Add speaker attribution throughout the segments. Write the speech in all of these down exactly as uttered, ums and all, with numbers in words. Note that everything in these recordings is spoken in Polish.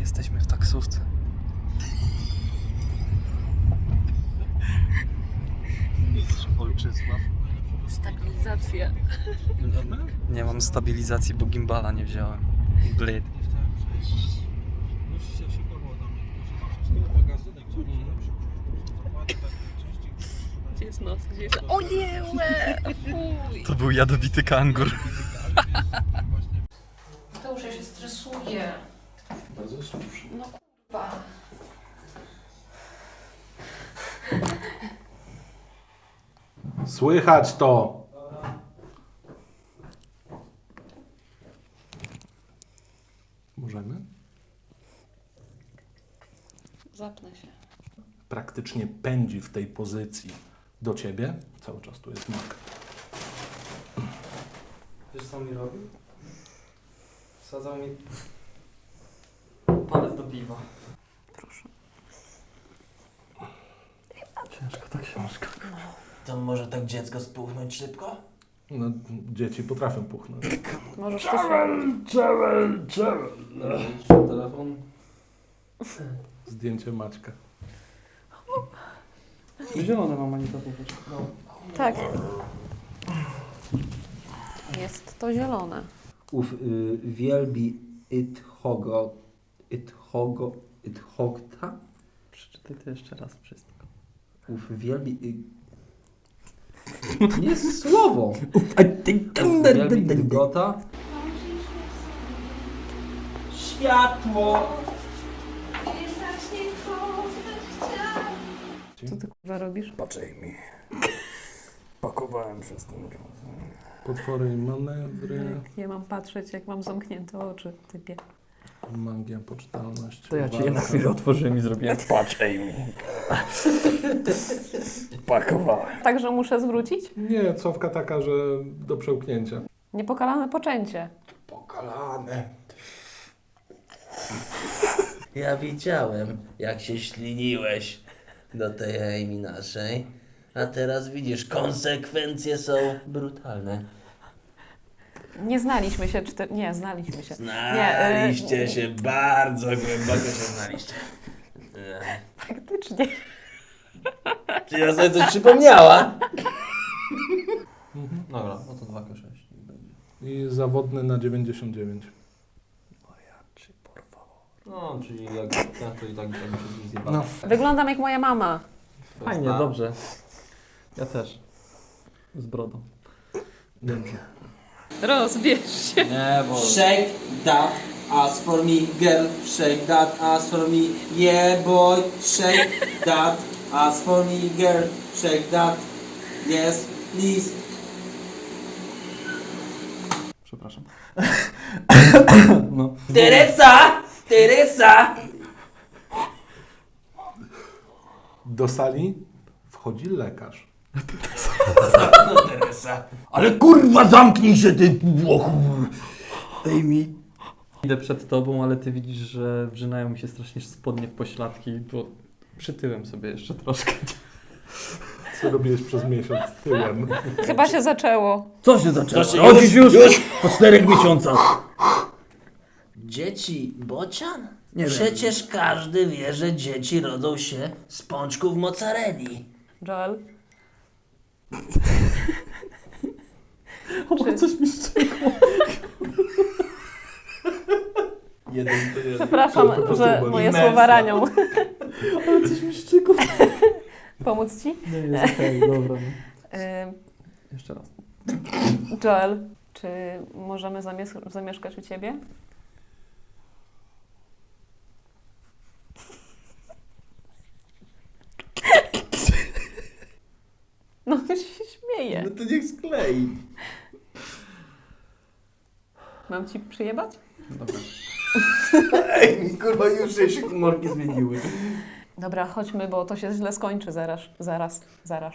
Speaker 1: Jesteśmy w taksówce. Mistrz Olczysław.
Speaker 2: Stabilizacja.
Speaker 1: Nie mam stabilizacji, bo gimbala nie wziąłem. Blade.
Speaker 2: Gdzie jest nos? Gdzie jest... O nie, łe! Fuj!
Speaker 1: To był jadowity kangur.
Speaker 2: To już ja się stresuję.
Speaker 3: Bardzo słusznie.
Speaker 2: No kurwa.
Speaker 3: Słychać to! Możemy?
Speaker 2: Zapnę się.
Speaker 3: Praktycznie pędzi w tej pozycji do ciebie. Cały czas tu jest mak.
Speaker 1: Wiesz co mi robi? Wsadzał mi palec do piwa.
Speaker 2: Proszę.
Speaker 1: Ciężko ta książka.
Speaker 4: To może tak dziecko spuchnąć szybko?
Speaker 3: No, dzieci potrafią puchnąć.
Speaker 2: Możesz to zrobić.
Speaker 1: Telefon.
Speaker 3: Zdjęcie Maćka.
Speaker 1: Zielone mam Anita popatrz. No.
Speaker 2: Tak. Jest to zielone.
Speaker 4: Ów y, wielbi Ithogo, Ithogo, Ithogta?
Speaker 1: Przeczytaj to jeszcze raz wszystko.
Speaker 4: Ów wielbi... Y... Nie jest słowo! Ów wielbi Itgota? Światło!
Speaker 2: Co ty kurwa robisz?
Speaker 5: Patrzaj mi. Pakowałem przez ten czas.
Speaker 3: Potwory i manewry.
Speaker 2: Nie mam patrzeć, jak mam zamknięte oczy, typie.
Speaker 3: Magia, poczytalność.
Speaker 5: To ja ci je na
Speaker 3: walka.
Speaker 5: chwilę otworzyłem i zrobiłem. Patrzaj mi. Pakowałem.
Speaker 2: Także muszę zwrócić?
Speaker 3: Nie, cofka taka, że do przełknięcia.
Speaker 2: Niepokalane poczęcie.
Speaker 3: Pokalane.
Speaker 4: Ja widziałem, jak się śliniłeś do tej Amy naszej. A teraz widzisz, konsekwencje są brutalne.
Speaker 2: Nie znaliśmy się, cztery... Nie, znaliśmy się.
Speaker 4: Znaliście
Speaker 2: Nie, y-
Speaker 4: się, bardzo głęboko się znaliście. E,
Speaker 2: Faktycznie.
Speaker 4: Czy ja sobie coś przypomniała?
Speaker 1: Dobra, no to dwa K sześć.
Speaker 3: I zawodny na dziewięćdziesiąt dziewięć.
Speaker 1: No, czyli jak ja to i tak bym się zjebał.
Speaker 3: No.
Speaker 2: Wyglądam jak moja mama.
Speaker 1: Fajnie, dobrze. Ja też. Z brodą.
Speaker 3: Dobrze.
Speaker 2: Rozbierz się.
Speaker 1: Nie, bo...
Speaker 6: Shake that ass for me, girl. Shake that ass for me, yeah boy. Shake that ass for me, girl. Shake that, yes, please.
Speaker 1: Przepraszam. No.
Speaker 6: Teresa! Teresa!
Speaker 3: Do sali wchodzi lekarz.
Speaker 4: No Teresa.
Speaker 5: Ale kurwa zamknij się ty Włochu. Amy.
Speaker 1: Idę przed tobą, ale ty widzisz, że wrzynają mi się strasznie spodnie w pośladki, bo przytyłem sobie jeszcze troszkę.
Speaker 3: Co robiłeś przez miesiąc tyłem?
Speaker 2: Chyba się zaczęło.
Speaker 5: Co się zaczęło?
Speaker 4: To się
Speaker 5: Rodzisz
Speaker 4: już-
Speaker 5: już,
Speaker 4: już?
Speaker 5: po czterech miesiącach.
Speaker 4: Dzieci bocian?
Speaker 5: Nie wiem.
Speaker 4: Przecież każdy wie, że dzieci rodzą się z pączków mozzarelli.
Speaker 2: Joel?
Speaker 1: O, coś mi szczekło.
Speaker 4: Jeden to jeden.
Speaker 2: Przepraszam,
Speaker 3: po prostu
Speaker 2: że
Speaker 3: boli.
Speaker 2: moje
Speaker 4: Imersja.
Speaker 2: słowa ranią.
Speaker 1: Ale coś mi szczekło.
Speaker 2: Pomóc ci?
Speaker 1: Nie, jest okej, dobra. No.
Speaker 2: Ym,
Speaker 1: Jeszcze raz.
Speaker 2: Joel, czy możemy zamies- zamieszkać u ciebie? No się śmieje.
Speaker 4: No to niech sklei.
Speaker 2: Mam ci przyjebać?
Speaker 1: Dobra.
Speaker 4: Ej, kurwa, już się humorki zmieniły.
Speaker 2: Dobra, chodźmy, bo to się źle skończy zaraz. Zaraz, zaraz.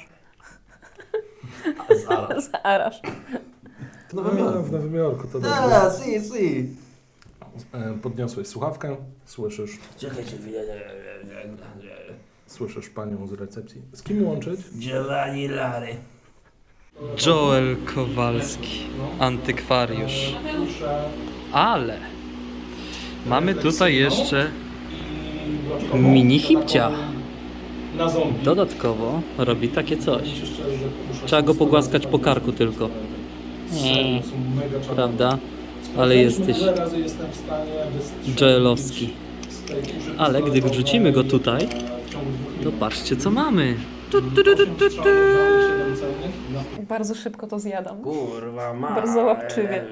Speaker 4: Zaraz.
Speaker 2: Zaraz.
Speaker 4: W Nowym
Speaker 3: No,
Speaker 4: Jorku.
Speaker 3: w Nowym Jorku to dobrze.
Speaker 4: A, si, si.
Speaker 3: E, Podniosłeś słuchawkę, słyszysz,
Speaker 4: Czekajcie chwilę.
Speaker 3: słyszysz panią z recepcji. Z kim łączyć?
Speaker 4: Giovanni Lary.
Speaker 1: Joel Kowalski, antykwariusz. Ale Mamy tutaj jeszcze mini hipcia.
Speaker 3: Na zombie.
Speaker 1: Dodatkowo robi takie coś. Trzeba go pogłaskać po karku tylko.
Speaker 3: Serio, są mega czarne.
Speaker 1: Prawda? Ale jesteś
Speaker 3: Wiele razy jestem w stanie wystrzelić
Speaker 1: Joelowski.
Speaker 3: z tej kurzy
Speaker 1: Ale gdy
Speaker 3: pistoletu,
Speaker 1: wrzucimy go tutaj,
Speaker 3: e, w ciągu dwóch
Speaker 1: to
Speaker 3: minut.
Speaker 1: patrzcie co mamy. Tu, tu, tu, tu,
Speaker 3: Osiem
Speaker 1: tu, tu.
Speaker 3: strzałów, dało siedem celnych. No.
Speaker 2: Bardzo szybko to zjadam.
Speaker 4: Kurwa, ma.
Speaker 2: Bardzo łapczywie.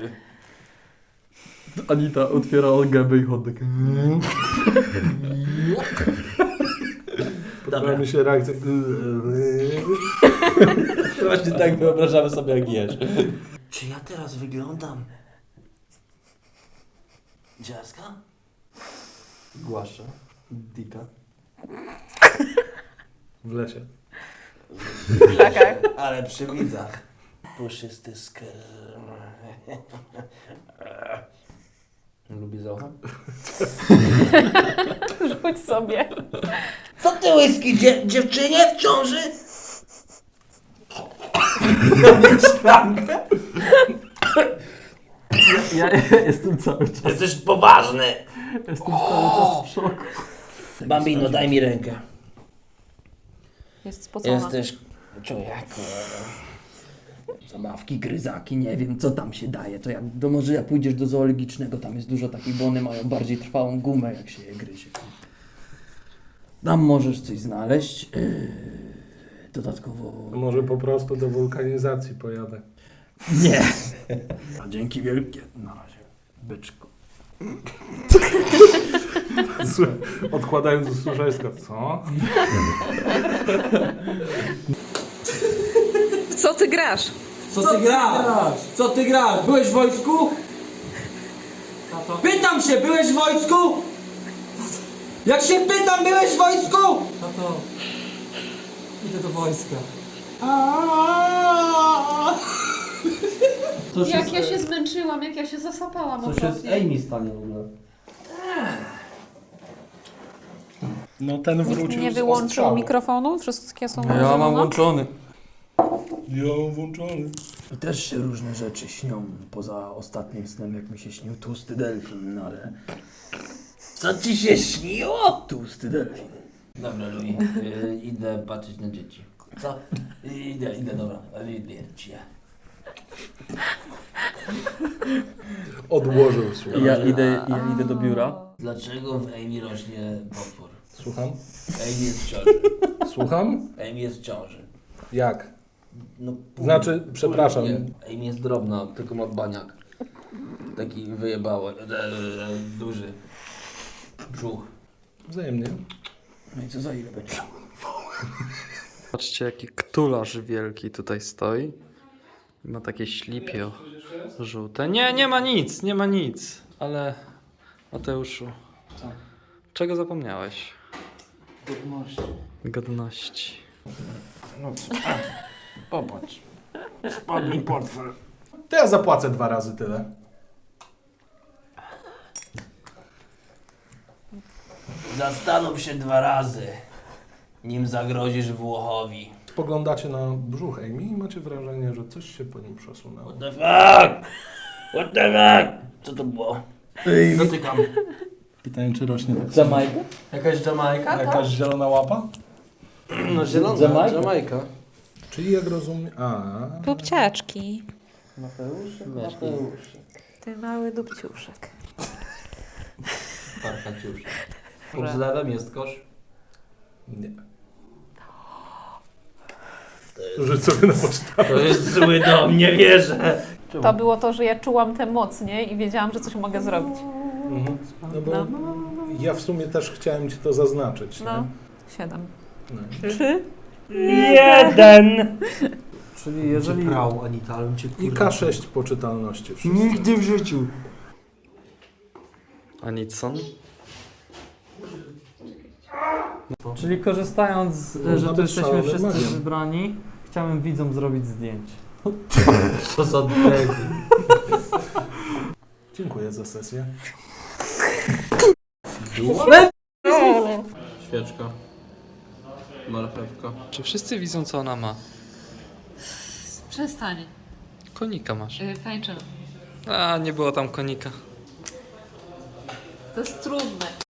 Speaker 1: Anita otwiera gębę i chodek.
Speaker 3: Podoba mi się reakcja.
Speaker 4: Właśnie tak wyobrażamy sobie, jak jesz. Czy ja teraz wyglądam dziarska?
Speaker 1: Głasza. Dika.
Speaker 3: W lesie.
Speaker 2: Czekaj.
Speaker 4: Ale przy widzach. Puszysty skrm. Lubię zocha?
Speaker 2: Rzuć sobie.
Speaker 4: Co ty whisky, dzie- dziewczynie w ciąży? Szklankę?
Speaker 1: Ja jestem cały czas,
Speaker 4: Jesteś poważny.
Speaker 1: jestem cały czas w szoku.
Speaker 4: Bambino, daj mi rękę.
Speaker 2: Jest spocona.
Speaker 4: Jesteś człowieku.
Speaker 5: Zabawki, gryzaki, nie wiem co tam się daje. To jak, to może jak pójdziesz do zoologicznego, tam jest dużo takich, bo one mają bardziej trwałą gumę, jak się je gryzie. Tam możesz coś znaleźć. Yy, dodatkowo...
Speaker 3: Może po prostu do wulkanizacji pojadę.
Speaker 5: Nie. A dzięki wielkie. Na razie. Byczku.
Speaker 3: Słuchaj, odkładając do służeńska. Co?
Speaker 2: W co ty grasz?
Speaker 6: Co ty grasz? Co ty grasz? Byłeś w wojsku? Pytam się, byłeś w wojsku? Jak się pytam, byłeś w wojsku?
Speaker 1: Tato, idę do wojska. Co się,
Speaker 2: Jak ja się zmęczyłam, jak ja się zasapałam
Speaker 1: co się z Amy stanie w ogóle?
Speaker 3: No ten
Speaker 2: Nikt
Speaker 3: wrócił
Speaker 2: nie
Speaker 3: z
Speaker 2: wyłączył
Speaker 3: ostrzału.
Speaker 2: mikrofonu? Wszystkie są
Speaker 1: Ja mam
Speaker 2: włączone?
Speaker 1: włączony.
Speaker 3: Ja mam włączony.
Speaker 5: I też się różne rzeczy śnią. Poza ostatnim snem, jak mi się śnił tłusty delfin, no ale...
Speaker 4: Co ci się śniło?
Speaker 5: Tłusty delfin.
Speaker 4: Dobra, Louis, y, idę patrzeć na dzieci. Co? Idę, idę, dobra. Idę.
Speaker 3: Odłożył, słuchaj.
Speaker 1: Ja idę, ja idę do biura.
Speaker 4: Dlaczego w Amy rośnie potwór?
Speaker 3: Słucham?
Speaker 4: Amy jest w ciąży.
Speaker 3: Słucham?
Speaker 4: Amy jest w ciąży.
Speaker 3: Jak?
Speaker 4: No, pół-
Speaker 3: Znaczy,
Speaker 4: pół-
Speaker 3: przepraszam.
Speaker 4: nie. Amy jest drobna, tylko ma baniak. Taki wyjebały, e, e, duży brzuch.
Speaker 3: Wzajemnie.
Speaker 5: No i co za ile będzie?
Speaker 1: Patrzcie jaki ktularz wielki tutaj stoi. I ma takie ślipio żółte. Nie, nie ma nic, nie ma nic. Ale Mateuszu, czego zapomniałeś?
Speaker 5: Godności.
Speaker 1: Godności.
Speaker 5: No co? Popatrz. Spadł mi portfel.
Speaker 3: To ja zapłacę dwa razy tyle.
Speaker 4: Zastanów się dwa razy, nim zagrozisz Włochowi.
Speaker 3: Spoglądacie na brzuch Amy i macie wrażenie, że coś się po nim przesunęło.
Speaker 4: What the fuck? What the fuck? Co to było? Dotykam.
Speaker 3: Pytanie, czy rośnie tak
Speaker 5: Jamajka?
Speaker 4: Jakaś Jamajka?
Speaker 3: Jakaś zielona łapa?
Speaker 4: No zielona,
Speaker 5: Jamajka.
Speaker 4: Jamajka.
Speaker 3: Czyli jak rozumiem... A,
Speaker 2: Dupciaczki.
Speaker 5: Mateuszek,
Speaker 4: Mateuszek.
Speaker 2: Ty mały dupciuszek.
Speaker 4: Parkaciusz. Pod zlewem jest kosz.
Speaker 3: nie. Rzuć sobie na pocztę.
Speaker 4: To jest zły dom, nie wierzę.
Speaker 2: To było to, że ja czułam tę moc, nie? I wiedziałam, że coś mogę zrobić.
Speaker 3: Mhm. No bo
Speaker 2: No.
Speaker 3: ja w sumie też chciałem ci to zaznaczyć.
Speaker 2: No.
Speaker 3: Nie?
Speaker 2: Siedem.
Speaker 3: No.
Speaker 2: Trzy?
Speaker 4: Jeden!
Speaker 1: Czyli jeżeli...
Speaker 5: Prał, Anita, ale cię
Speaker 3: I K sześć poczytalności wszyscy.
Speaker 5: Nigdy w życiu.
Speaker 1: Anicon? Czyli korzystając, z,
Speaker 3: Można
Speaker 1: że tu
Speaker 3: być
Speaker 1: jesteśmy
Speaker 3: szalonym
Speaker 1: wszyscy
Speaker 3: magiem.
Speaker 1: wybrani, chciałem widzom zrobić zdjęcie.
Speaker 4: Co za debil.
Speaker 3: Dziękuję za sesję.
Speaker 6: Świeczka. Marchewka.
Speaker 1: Czy wszyscy widzą co ona ma?
Speaker 2: Przestań.
Speaker 1: Konika masz.
Speaker 2: Yy, tańczymy.
Speaker 1: A, nie było tam konika.
Speaker 2: To jest trudne.